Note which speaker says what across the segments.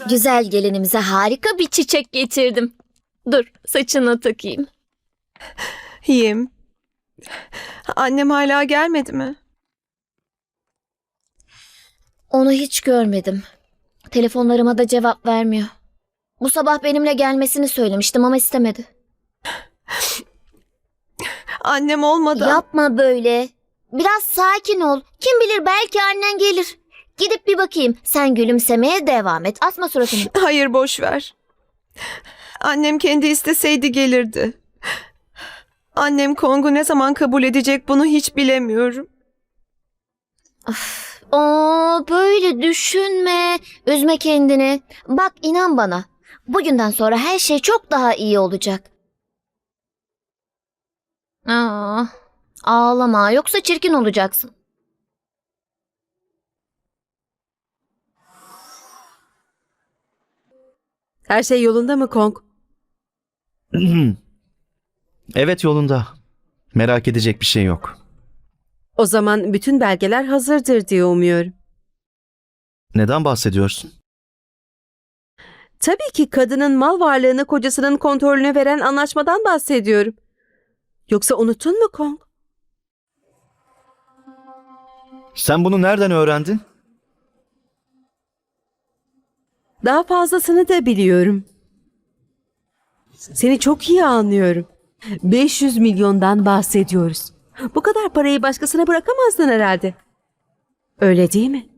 Speaker 1: Güzel gelinimize harika bir çiçek getirdim. Dur, saçına takayım.
Speaker 2: İyiyim. Annem hala gelmedi mi?
Speaker 1: Onu hiç görmedim. Telefonlarıma da cevap vermiyor. Bu sabah benimle gelmesini söylemiştim ama istemedi.
Speaker 2: Annem olmadan...
Speaker 1: Yapma böyle. Biraz sakin ol. Kim bilir belki annen gelir. Gidip bir bakayım. Sen gülümsemeye devam et. Asma suratını.
Speaker 2: Hayır, boş ver. Annem kendi isteseydi gelirdi. Annem Kong'u ne zaman kabul edecek bunu hiç bilemiyorum.
Speaker 1: Böyle düşünme. Üzme kendini. Bak inan bana. Bugünden sonra her şey çok daha iyi olacak. Ağlama yoksa çirkin olacaksın.
Speaker 3: Her şey yolunda mı Kong?
Speaker 4: Evet, yolunda. Merak edecek bir şey yok.
Speaker 3: O zaman bütün belgeler hazırdır diye umuyorum.
Speaker 4: Neden bahsediyorsun?
Speaker 3: Tabii ki kadının mal varlığını kocasının kontrolüne veren anlaşmadan bahsediyorum. Yoksa unuttun mu Kong?
Speaker 4: Sen bunu nereden öğrendin?
Speaker 3: Daha fazlasını da biliyorum. Seni çok iyi anlıyorum. 500 milyondan bahsediyoruz. Bu kadar parayı başkasına bırakamazdın herhalde. Öyle değil mi?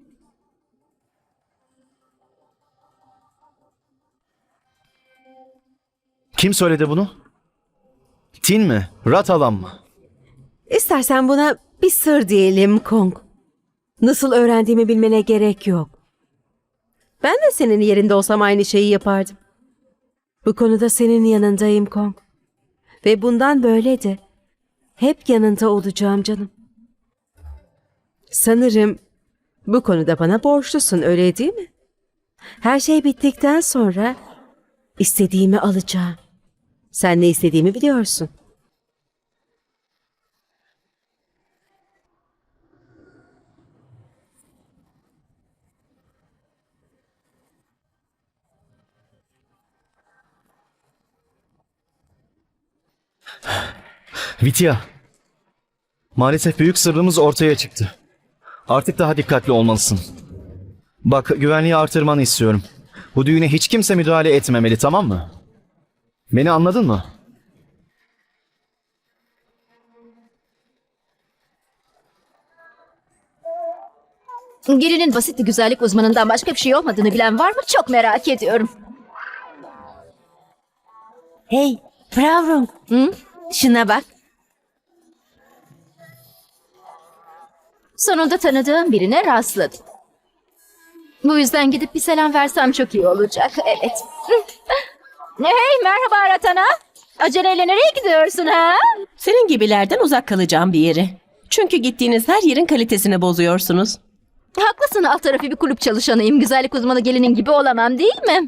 Speaker 4: Kim söyledi bunu? Tin mi? Ratalan mı?
Speaker 3: İstersen buna bir sır diyelim Kong. Nasıl öğrendiğimi bilmene gerek yok. Ben de senin yerinde olsam aynı şeyi yapardım. Bu konuda senin yanındayım Kong. Ve bundan böyle de hep yanında olacağım canım. Sanırım bu konuda bana borçlusun, öyle değil mi? Her şey bittikten sonra istediğimi alacağım. Sen ne istediğimi biliyorsun.
Speaker 4: Vidya. Maalesef büyük sırrımız ortaya çıktı. Artık daha dikkatli olmalısın. Bak, güvenliği artırmanı istiyorum. Bu düğüne hiç kimse müdahale etmemeli, tamam mı? Beni anladın mı?
Speaker 5: Gelinin basit bir güzellik uzmanından başka bir şey olmadığını bilen var mı? Çok merak ediyorum.
Speaker 6: Hey, yavrum. Şuna bak.
Speaker 5: Sonunda tanıdığım birine rastladım. Bu yüzden gidip bir selam versem çok iyi olacak. Evet. Hey, merhaba Ratana. Aceleyle nereye gidiyorsun ha?
Speaker 6: Senin gibilerden uzak kalacağım bir yere. Çünkü gittiğiniz her yerin kalitesini bozuyorsunuz.
Speaker 5: Haklısın, alt tarafı bir kulüp çalışanıyım. Güzellik uzmanı gelinin gibi olamam değil mi?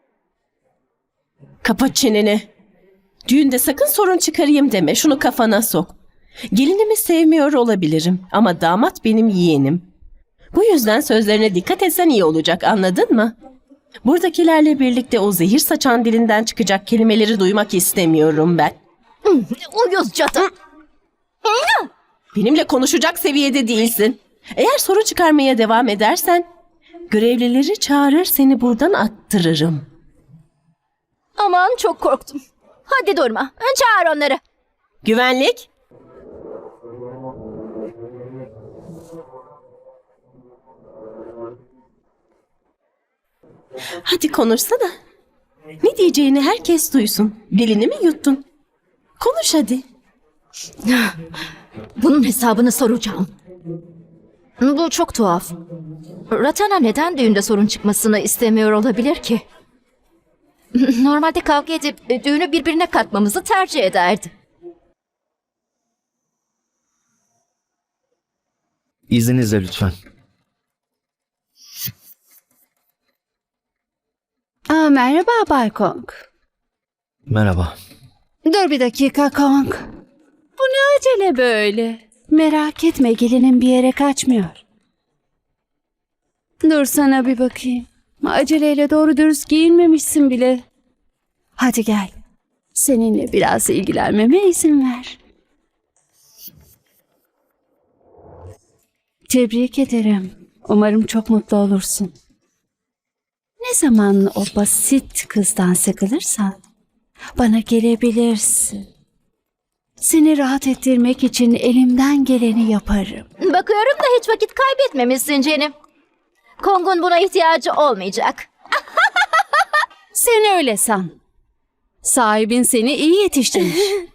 Speaker 6: Kapa çeneni. Düğünde sakın sorun çıkarayım deme. Şunu kafana sok. Gelinimi sevmiyor olabilirim ama damat benim yeğenim. Bu yüzden sözlerine dikkat etsen iyi olacak, anladın mı? Buradakilerle birlikte o zehir saçan dilinden çıkacak kelimeleri duymak istemiyorum ben.
Speaker 5: Uyuz cadı.
Speaker 6: Benimle konuşacak seviyede değilsin. Eğer sorun çıkarmaya devam edersen görevlileri çağırır seni buradan attırırım.
Speaker 5: Aman çok korktum. Hadi durma. Çağır onları.
Speaker 6: Güvenlik. Hadi konuşsana. Ne diyeceğini herkes duysun. Dilini mi yuttun? Konuş hadi.
Speaker 5: Bunun hesabını soracağım. Bu çok tuhaf. Ratana neden düğünde sorun çıkmasını istemiyor olabilir ki? Normalde kavga edip düğünü birbirine katmamızı tercih ederdi.
Speaker 4: İzninizle lütfen.
Speaker 7: Merhaba Bay Kong.
Speaker 4: Merhaba.
Speaker 7: Dur bir dakika Kong. Bu ne acele böyle? Merak etme, gelinin bir yere kaçmıyor. Dur sana bir bakayım. Aceleyle doğru dürüst giyinmemişsin bile. Hadi gel. Seninle biraz ilgilenmeme izin ver. Tebrik ederim. Umarım çok mutlu olursun. Ne zaman o basit kızdan sıkılırsan bana gelebilirsin. Seni rahat ettirmek için elimden geleni yaparım.
Speaker 5: Bakıyorum da hiç vakit kaybetmemişsin Cenim. Kong'un buna ihtiyacı olmayacak.
Speaker 7: Sen öyle san. Sahibin seni iyi yetiştirmiş.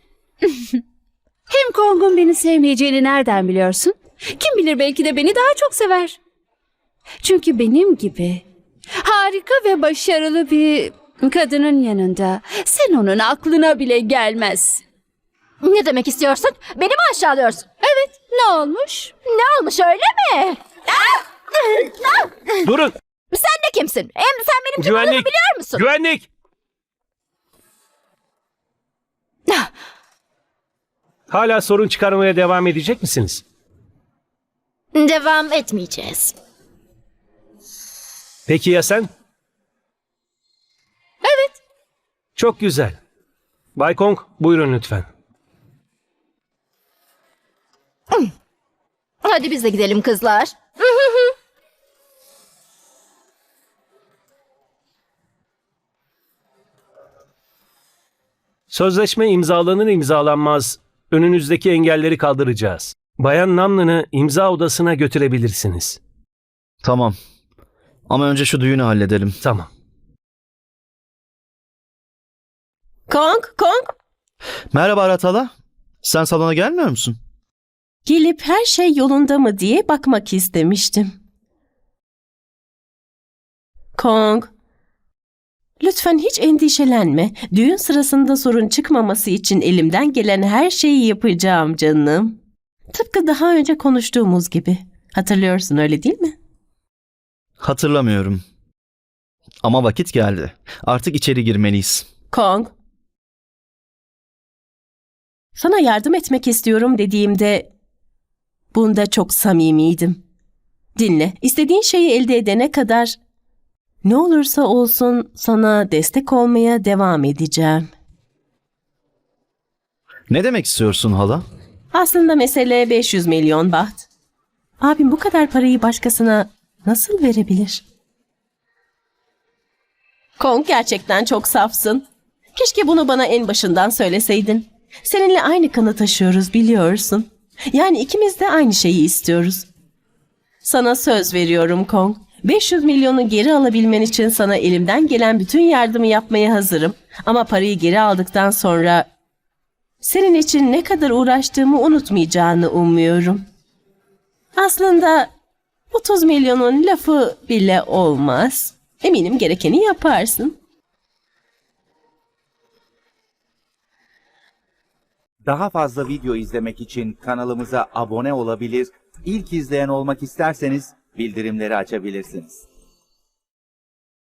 Speaker 7: Hem Kong'un beni sevmeyeceğini nereden biliyorsun? Kim bilir belki de beni daha çok sever. Çünkü benim gibi harika ve başarılı bir kadının yanında sen onun aklına bile gelmezsin.
Speaker 5: Ne demek istiyorsun? Beni mi aşağılıyorsun?
Speaker 7: Evet, ne olmuş?
Speaker 5: Ne olmuş öyle mi?
Speaker 8: Durun!
Speaker 5: Sen de kimsin? Hem sen benim kim olduğumu
Speaker 8: Güvenlik!
Speaker 5: biliyor musun?
Speaker 8: Güvenlik! Hala sorun çıkarmaya devam edecek misiniz?
Speaker 5: Devam etmeyeceğiz.
Speaker 8: Peki ya sen?
Speaker 5: Evet.
Speaker 8: Çok güzel. Bay Kong, buyurun lütfen.
Speaker 5: Hadi biz de gidelim kızlar.
Speaker 8: Sözleşme imzalanır imzalanmaz önünüzdeki engelleri kaldıracağız. Bayan Namnın'ı imza odasına götürebilirsiniz.
Speaker 4: Tamam. Ama önce şu düğünü halledelim.
Speaker 8: Tamam.
Speaker 6: Kong,
Speaker 4: Merhaba Ratala. Sen salona gelmiyor musun?
Speaker 6: gelip her şey yolunda mı diye bakmak istemiştim. Kong, lütfen hiç endişelenme. Düğün sırasında sorun çıkmaması için elimden gelen her şeyi yapacağım canım. Tıpkı daha önce konuştuğumuz gibi. Hatırlıyorsun öyle değil mi?
Speaker 4: Hatırlamıyorum. Ama vakit geldi. Artık içeri girmeliyiz.
Speaker 6: Kong, sana yardım etmek istiyorum dediğimde bunda çok samimiydim. Dinle, istediğin şeyi elde edene kadar ne olursa olsun sana destek olmaya devam edeceğim.
Speaker 4: Ne demek istiyorsun hala?
Speaker 6: Aslında mesele 500 milyon baht. Abim bu kadar parayı başkasına nasıl verebilir? Kong, gerçekten çok safsın. Keşke bunu bana en başından söyleseydin. Seninle aynı kanı taşıyoruz, biliyorsun. Yani ikimiz de aynı şeyi istiyoruz. Sana söz veriyorum Kong. 500 milyonu geri alabilmen için sana elimden gelen bütün yardımı yapmaya hazırım. Ama parayı geri aldıktan sonra senin için ne kadar uğraştığımı unutmayacağını umuyorum. Aslında 30 milyonun lafı bile olmaz. Eminim gerekeni yaparsın.
Speaker 9: Daha fazla video izlemek için kanalımıza abone olabilir, ilk izleyen olmak isterseniz bildirimleri açabilirsiniz.